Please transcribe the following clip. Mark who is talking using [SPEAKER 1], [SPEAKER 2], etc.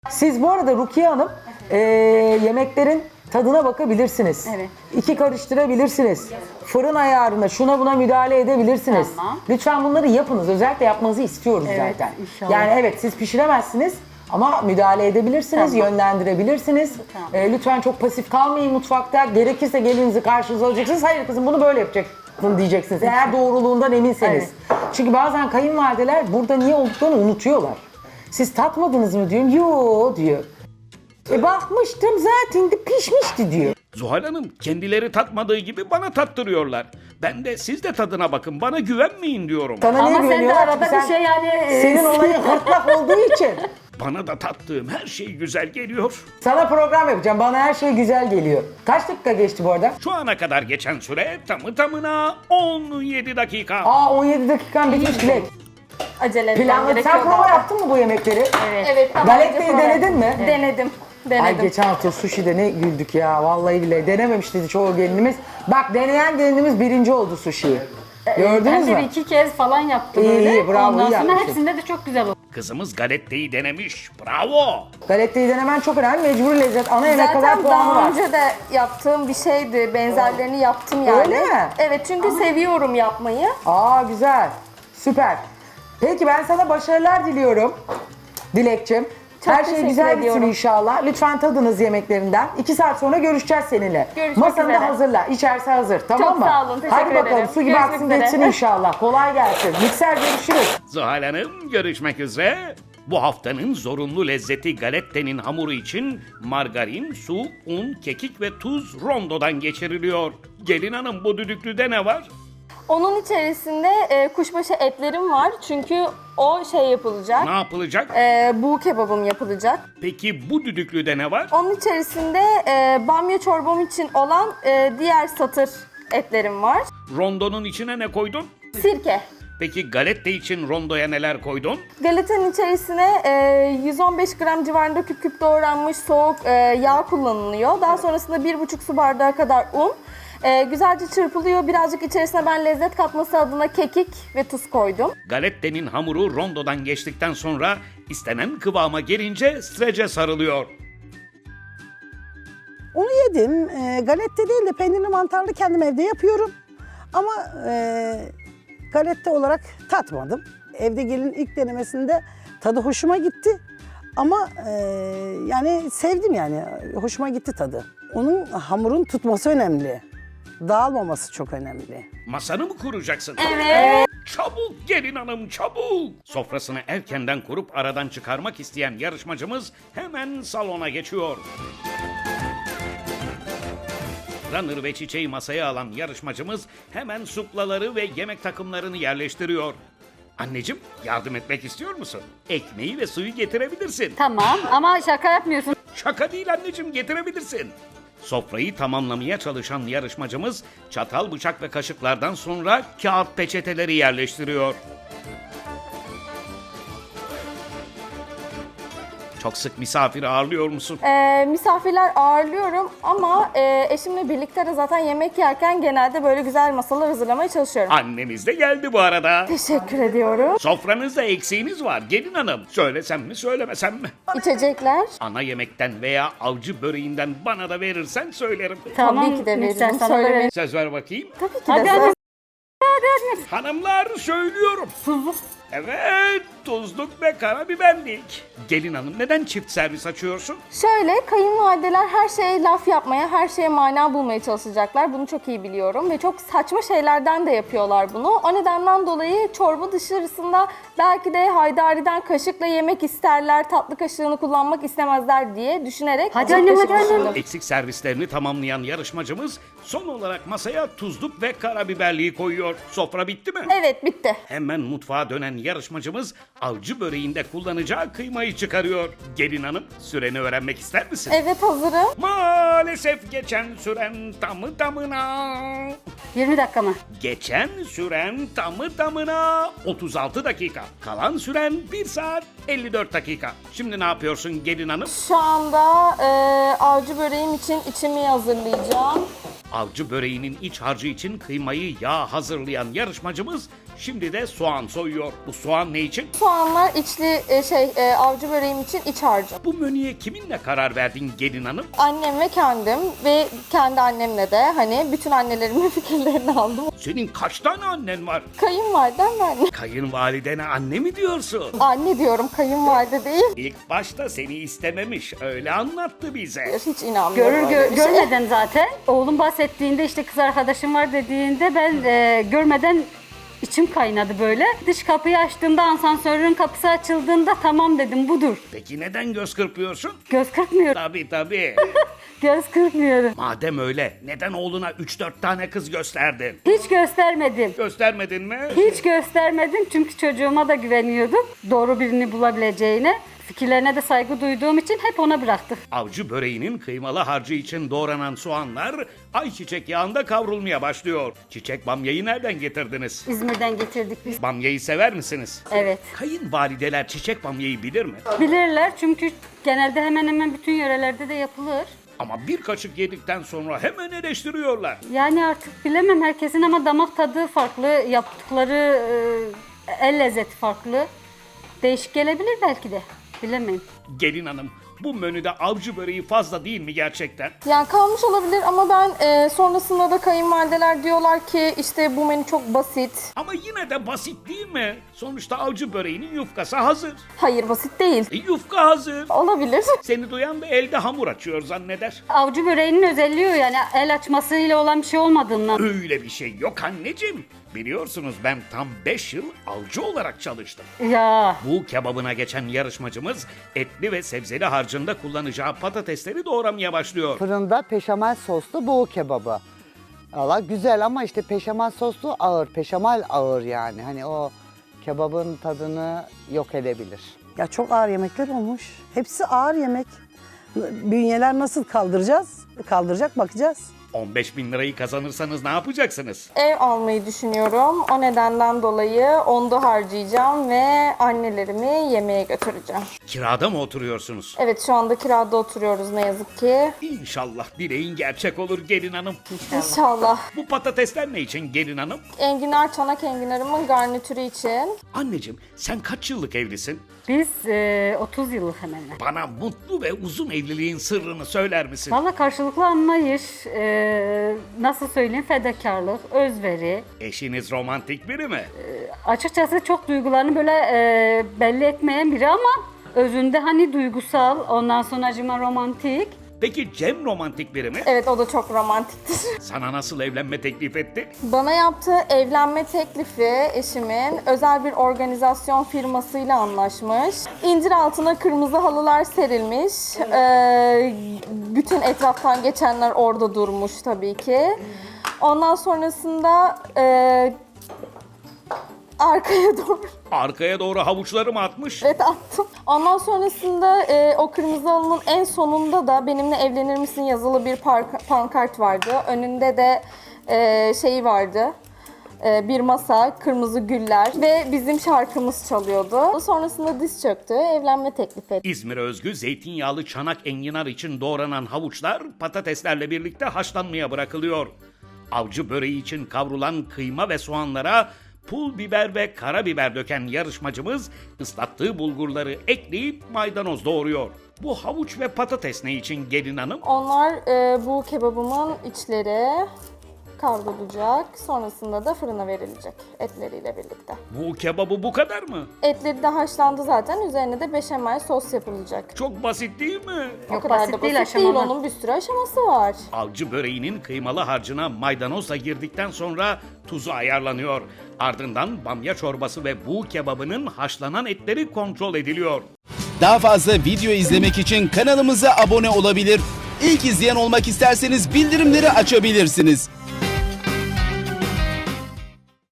[SPEAKER 1] Siz bu arada Rukiye Hanım yemeklerin tadına bakabilirsiniz.
[SPEAKER 2] Evet.
[SPEAKER 1] İki karıştırabilirsiniz. Fırın ayarına şuna buna müdahale edebilirsiniz.
[SPEAKER 2] Tamam.
[SPEAKER 1] Lütfen bunları yapınız. Özellikle yapmanızı istiyoruz
[SPEAKER 2] Evet,
[SPEAKER 1] zaten.
[SPEAKER 2] inşallah.
[SPEAKER 1] Yani evet siz pişiremezsiniz ama müdahale edebilirsiniz,
[SPEAKER 2] Tamam.
[SPEAKER 1] yönlendirebilirsiniz.
[SPEAKER 2] Tamam.
[SPEAKER 1] Lütfen çok pasif kalmayın mutfakta. Gerekirse gelinizi karşınıza alacaksınız. Hayır kızım bunu böyle yapacaksın diyeceksiniz. Eğer doğruluğundan eminseniz. Çünkü bazen kayınvalideler burada niye olduklarını unutuyorlar. Siz tatmadınız mı diyorum. Yo diyor. Bakmıştım zaten de pişmişti diyor.
[SPEAKER 3] Zuhal Hanım kendileri tatmadığı gibi bana tattırıyorlar. Ben de siz de tadına bakın bana güvenmeyin diyorum.
[SPEAKER 1] Sana niye
[SPEAKER 2] Ama sen de
[SPEAKER 1] güveniyorlar?
[SPEAKER 2] arada
[SPEAKER 1] Çünkü
[SPEAKER 2] bir şey yani...
[SPEAKER 1] Senin olayın hırtlak olduğu için.
[SPEAKER 3] Bana da tattığım her şey güzel geliyor.
[SPEAKER 1] Sana program yapacağım. Bana her şey güzel geliyor. Kaç dakika geçti bu arada?
[SPEAKER 3] Şu ana kadar geçen süre tamı tamına 17 dakika.
[SPEAKER 1] 17 dakikan bitmiş Dilek.
[SPEAKER 2] Acele etmem
[SPEAKER 1] Planlı.
[SPEAKER 2] gerekiyor
[SPEAKER 1] Sen prova
[SPEAKER 2] daha.
[SPEAKER 1] yaptın mı bu yemekleri?
[SPEAKER 2] Evet.
[SPEAKER 4] Evet, tamam.
[SPEAKER 1] Galetteyi denedin mi?
[SPEAKER 4] Denedim.
[SPEAKER 1] Ay geçen hafta sushi'de ne güldük ya. Vallahi bile denememişti çoğu gelinimiz. Bak deneyen gelinimiz birinci oldu sushi'yi. Gördünüz
[SPEAKER 2] Ben de
[SPEAKER 1] mı?
[SPEAKER 2] bir iki kez falan yaptım
[SPEAKER 1] İyi,
[SPEAKER 2] öyle.
[SPEAKER 1] iyi, bravo,
[SPEAKER 2] Ondan
[SPEAKER 1] iyi
[SPEAKER 2] sonra
[SPEAKER 1] yapmışsın.
[SPEAKER 2] hepsinde de çok güzel oldu.
[SPEAKER 3] Kızımız galetteyi denemiş. Bravo.
[SPEAKER 1] Galetteyi denemen çok önemli. Mecburi lezzet. Ana yemek kadar
[SPEAKER 4] Zaten
[SPEAKER 1] puanı
[SPEAKER 4] daha
[SPEAKER 1] var.
[SPEAKER 4] önce de yaptığım bir şeydi. Benzerlerini yaptım yani.
[SPEAKER 1] Öyle mi?
[SPEAKER 4] Evet, çünkü seviyorum yapmayı.
[SPEAKER 1] Güzel. Süper. Peki ben sana başarılar diliyorum. Dilekçim.
[SPEAKER 4] Çok
[SPEAKER 1] Her şey
[SPEAKER 4] teşekkür
[SPEAKER 1] güzel gitsin
[SPEAKER 4] ediyorum.
[SPEAKER 1] inşallah. Lütfen tadınız yemeklerinden. 2 saat sonra görüşeceğiz seninle.
[SPEAKER 4] Görüşmek
[SPEAKER 1] Masanı da
[SPEAKER 4] üzere.
[SPEAKER 1] hazırla. İçerisi hazır. Tamam
[SPEAKER 4] Çok
[SPEAKER 1] mı?
[SPEAKER 4] sağ olun, teşekkür
[SPEAKER 1] Hadi bakalım
[SPEAKER 4] ederim.
[SPEAKER 1] su gibi
[SPEAKER 4] Görüşmek
[SPEAKER 1] aksın
[SPEAKER 4] üzere.
[SPEAKER 1] geçsin inşallah. Kolay gelsin. Mikser görüşürüz.
[SPEAKER 3] Zuhal Hanım görüşmek üzere. Bu haftanın zorunlu lezzeti galettenin hamuru için margarin, su, un, kekik ve tuz rondodan geçiriliyor. Gelin hanım bu düdüklüde ne var?
[SPEAKER 4] Onun içerisinde kuşbaşı etlerim var. Çünkü o şey yapılacak.
[SPEAKER 3] Ne yapılacak?
[SPEAKER 4] Bu kebabım yapılacak.
[SPEAKER 3] Peki bu düdüklüde ne var?
[SPEAKER 4] Onun içerisinde bamya çorbam için olan diğer satır etlerim var.
[SPEAKER 3] Rondonun içine ne koydun?
[SPEAKER 4] Sirke.
[SPEAKER 3] Peki galette için rondoya neler koydun?
[SPEAKER 4] Galetanın içerisine 115 gram civarında küp küp doğranmış soğuk yağ kullanılıyor. Daha sonrasında 1,5 su bardağı kadar un. Güzelce çırpılıyor. Birazcık içerisine ben lezzet katması adına kekik ve tuz koydum.
[SPEAKER 3] Galettenin hamuru rondodan geçtikten sonra istenen kıvama gelince strece sarılıyor.
[SPEAKER 5] Onu yedim. Galette değil de peynirli mantarlı kendim evde yapıyorum. Ama galette olarak tatmadım. Evde gelin ilk denemesinde tadı hoşuma gitti. Ama yani sevdim yani. Hoşuma gitti tadı. Onun hamurun tutması önemli. Dağılmaması çok önemli.
[SPEAKER 3] Masanı mı kuracaksın?
[SPEAKER 4] Evet.
[SPEAKER 3] Çabuk gelin hanım çabuk. Sofrasını erkenden kurup aradan çıkarmak isteyen yarışmacımız hemen salona geçiyor. Runner ve çiçeği masaya alan yarışmacımız hemen suplaları ve yemek takımlarını yerleştiriyor. Anneciğim yardım etmek istiyor musun? Ekmeği ve suyu getirebilirsin.
[SPEAKER 2] Tamam ama şaka yapmıyorsun.
[SPEAKER 3] Şaka değil anneciğim getirebilirsin. Sofrayı tamamlamaya çalışan yarışmacımız çatal, bıçak ve kaşıklardan sonra kağıt peçeteleri yerleştiriyor. Çok sık misafir ağırlıyor musun?
[SPEAKER 4] Misafirler ağırlıyorum ama eşimle birlikte de zaten yemek yerken genelde böyle güzel masalar hazırlamaya çalışıyorum.
[SPEAKER 3] Annemiz de geldi bu arada.
[SPEAKER 4] Teşekkür ediyorum.
[SPEAKER 3] Sofranızda eksiğiniz var gelin hanım. Söylesem mi söylemesem mi?
[SPEAKER 4] İçecekler.
[SPEAKER 3] Ana yemekten veya avcı böreğinden bana da verirsen söylerim.
[SPEAKER 4] Tabii ki de
[SPEAKER 2] mikser
[SPEAKER 4] veririm.
[SPEAKER 2] sana da
[SPEAKER 4] Söylemeyin.
[SPEAKER 2] veririm.
[SPEAKER 3] Söz ver bakayım.
[SPEAKER 4] Tabii ki
[SPEAKER 2] Hadi
[SPEAKER 4] de.
[SPEAKER 2] anne.
[SPEAKER 3] Hanımlar söylüyorum. Evet, tuzluk ve karabiberlik. Gelin hanım neden çift servis açıyorsun?
[SPEAKER 4] Şöyle, kayınvalideler her şeye laf yapmaya, her şeye mana bulmaya çalışacaklar. Bunu çok iyi biliyorum ve çok saçma şeylerden de yapıyorlar bunu. O nedenden dolayı çorba dışarısında belki de Haydari'den kaşıkla yemek isterler, tatlı kaşığını kullanmak istemezler diye düşünerek
[SPEAKER 2] Hadi
[SPEAKER 4] çift
[SPEAKER 2] annem,
[SPEAKER 4] kaşık
[SPEAKER 2] hadi annem.
[SPEAKER 4] düşündüm.
[SPEAKER 3] Eksik servislerini tamamlayan yarışmacımız son olarak masaya tuzluk ve karabiberliği koyuyor. Sofra bitti mi?
[SPEAKER 4] Evet, bitti.
[SPEAKER 3] Hemen mutfağa dönen yarışmacımız avcı böreğinde kullanacağı kıymayı çıkarıyor. Gelin hanım süreni öğrenmek ister misin?
[SPEAKER 4] Evet, hazırım.
[SPEAKER 3] Maalesef geçen süren tamı tamına...
[SPEAKER 2] 20 dakika mı?
[SPEAKER 3] Geçen süren tamı tamına 36 dakika. Kalan süren 1 saat 54 dakika. Şimdi ne yapıyorsun gelin hanım?
[SPEAKER 4] Şu anda avcı böreğim için içimi hazırlayacağım.
[SPEAKER 3] Avcı böreğinin iç harcı için kıymayı yağ hazırlayan yarışmacımız Şimdi de soğan soyuyor. Bu soğan ne için?
[SPEAKER 4] Soğanlar içli avcı böreğim için iç harcım.
[SPEAKER 3] Bu menüye kiminle karar verdin gelin hanım?
[SPEAKER 4] Annem ve kendim ve kendi annemle de hani bütün annelerimin fikirlerini aldım.
[SPEAKER 3] Senin kaç tane annen var?
[SPEAKER 4] Kayınvalidem ve anne.
[SPEAKER 3] Kayınvalidene anne mi diyorsun?
[SPEAKER 4] Anne diyorum, kayınvalide değil.
[SPEAKER 3] İlk başta seni istememiş, öyle anlattı bize.
[SPEAKER 4] Hiç inanmıyorum.
[SPEAKER 2] Görmeden zaten. Oğlum bahsettiğinde işte kız arkadaşım var dediğinde ben görmeden içim kaynadı böyle. Dış kapıyı açtığımda asansörün kapısı açıldığında tamam dedim budur.
[SPEAKER 3] Peki neden göz kırpıyorsun?
[SPEAKER 2] Göz kırpmıyorum.
[SPEAKER 3] Tabii.
[SPEAKER 2] Göz kırpmıyorum.
[SPEAKER 3] Madem öyle, neden oğluna 3-4 tane kız gösterdin?
[SPEAKER 2] Hiç göstermedim.
[SPEAKER 3] Göstermedin mi?
[SPEAKER 2] Hiç göstermedim çünkü çocuğuma da güveniyordum. Doğru birini bulabileceğine. Fikirlerine de saygı duyduğum için hep ona bıraktık.
[SPEAKER 3] Avcı böreğinin kıymalı harcı için doğranan soğanlar ayçiçek yağında kavrulmaya başlıyor. Çiçek bamyayı nereden getirdiniz?
[SPEAKER 2] İzmir'den getirdik biz.
[SPEAKER 3] Bamyayı sever misiniz?
[SPEAKER 2] Evet.
[SPEAKER 3] Kayınvalideler çiçek bamyayı bilir mi?
[SPEAKER 2] Bilirler çünkü genelde hemen hemen bütün yörelerde de yapılır.
[SPEAKER 3] Ama bir kaşık yedikten sonra hemen eleştiriyorlar.
[SPEAKER 2] Yani artık bilemem herkesin ama damak tadı farklı, yaptıkları el lezzeti farklı. Değişik gelebilir belki de. Bilemem.
[SPEAKER 3] Gelin hanım, bu menüde avcı böreği fazla değil mi gerçekten?
[SPEAKER 4] Yani kalmış olabilir ama ben sonrasında da kayınvalideler diyorlar ki işte bu menü çok basit.
[SPEAKER 3] Ama yine de basit değil mi? Sonuçta avcı böreğinin yufkası hazır.
[SPEAKER 4] Hayır, basit değil.
[SPEAKER 3] Yufka hazır.
[SPEAKER 4] Olabilir.
[SPEAKER 3] Seni duyan da elde hamur açıyor zanneder.
[SPEAKER 2] Avcı böreğinin özelliği o yani el açmasıyla olan bir şey olmadığından.
[SPEAKER 3] Öyle bir şey yok anneciğim. Biliyorsunuz ben tam 5 yıl avcı olarak çalıştım.
[SPEAKER 2] Ya
[SPEAKER 3] Bu kebabına geçen yarışmacımız etli ve sebzeli harcında kullanacağı patatesleri doğramaya başlıyor.
[SPEAKER 6] Fırında peşamal soslu buğu kebabı. Valla güzel ama işte peşamal soslu ağır, peşamal ağır yani. Hani o kebabın tadını yok edebilir.
[SPEAKER 5] Ya çok ağır yemekler olmuş. Hepsi ağır yemek. Bünyeler nasıl kaldıracağız? Kaldıracak, bakacağız.
[SPEAKER 3] 15.000 lirayı kazanırsanız ne yapacaksınız?
[SPEAKER 4] Ev almayı düşünüyorum. O nedenden dolayı onda harcayacağım ve annelerimi yemeğe götüreceğim.
[SPEAKER 3] Kirada mı oturuyorsunuz?
[SPEAKER 4] Evet, şu anda kirada oturuyoruz ne yazık ki.
[SPEAKER 3] İnşallah dileğin gerçek olur gelin hanım.
[SPEAKER 4] İnşallah.
[SPEAKER 3] Bu patatesler ne için gelin hanım?
[SPEAKER 4] Enginar, çanak enginarımın garnitürü için.
[SPEAKER 3] Anneciğim sen kaç yıllık evlisin?
[SPEAKER 2] biz 30 yıllık hemen hemen.
[SPEAKER 3] Bana mutlu ve uzun evliliğin sırrını söyler misin?
[SPEAKER 2] Valla karşılıklı anlayış, nasıl söyleyeyim fedakarlık, özveri.
[SPEAKER 3] Eşiniz romantik biri mi?
[SPEAKER 2] Açıkçası çok duygularını böyle belli etmeyen biri ama özünde hani duygusal, ondan sonra acıma romantik.
[SPEAKER 3] Peki Cem romantik biri mi?
[SPEAKER 4] Evet, o da çok romantiktir.
[SPEAKER 3] Sana nasıl evlenme teklif etti?
[SPEAKER 4] Bana yaptığı evlenme teklifi eşimin özel bir organizasyon firmasıyla anlaşmış. İncir altına kırmızı halılar serilmiş. Bütün etraftan geçenler orada durmuş tabii ki. Ondan sonrasında arkaya doğru
[SPEAKER 3] Arkaya doğru havuçları mı atmış?
[SPEAKER 4] evet attım. Ondan sonrasında o kırmızı halının en sonunda da benimle evlenir misin yazılı bir pankart vardı. Önünde de şey vardı. Bir masa, kırmızı güller ve bizim şarkımız çalıyordu. Sonrasında diz çöktü, evlenme teklif etti.
[SPEAKER 3] İzmir'e özgü zeytinyağlı çanak enginar için doğranan havuçlar patateslerle birlikte haşlanmaya bırakılıyor. Avcı böreği için kavrulan kıyma ve soğanlara pul biber ve karabiber döken yarışmacımız ıslattığı bulgurları ekleyip maydanoz doğruyor. Bu havuç ve patates ne için gelin hanım?
[SPEAKER 4] Onlar bu kebabımın içleri kavrulacak. Sonrasında da fırına verilecek etleriyle birlikte.
[SPEAKER 3] Bu kebabı bu kadar mı?
[SPEAKER 4] Etleri de haşlandı zaten. Üzerine de beşamel sos yapılacak.
[SPEAKER 3] Çok basit değil mi?
[SPEAKER 4] O
[SPEAKER 2] Yok,
[SPEAKER 4] kadar
[SPEAKER 2] basit
[SPEAKER 4] da
[SPEAKER 2] değil,
[SPEAKER 4] basit değil.
[SPEAKER 2] aşamalı.
[SPEAKER 4] Onun bir sürü aşaması var.
[SPEAKER 3] Avcı böreğinin kıymalı harcına maydanozla girdikten sonra tuzu ayarlanıyor. Ardından bamya çorbası ve buğu kebabının haşlanan etleri kontrol ediliyor.
[SPEAKER 7] Daha fazla video izlemek için kanalımıza abone olabilir. İlk izleyen olmak isterseniz bildirimleri açabilirsiniz.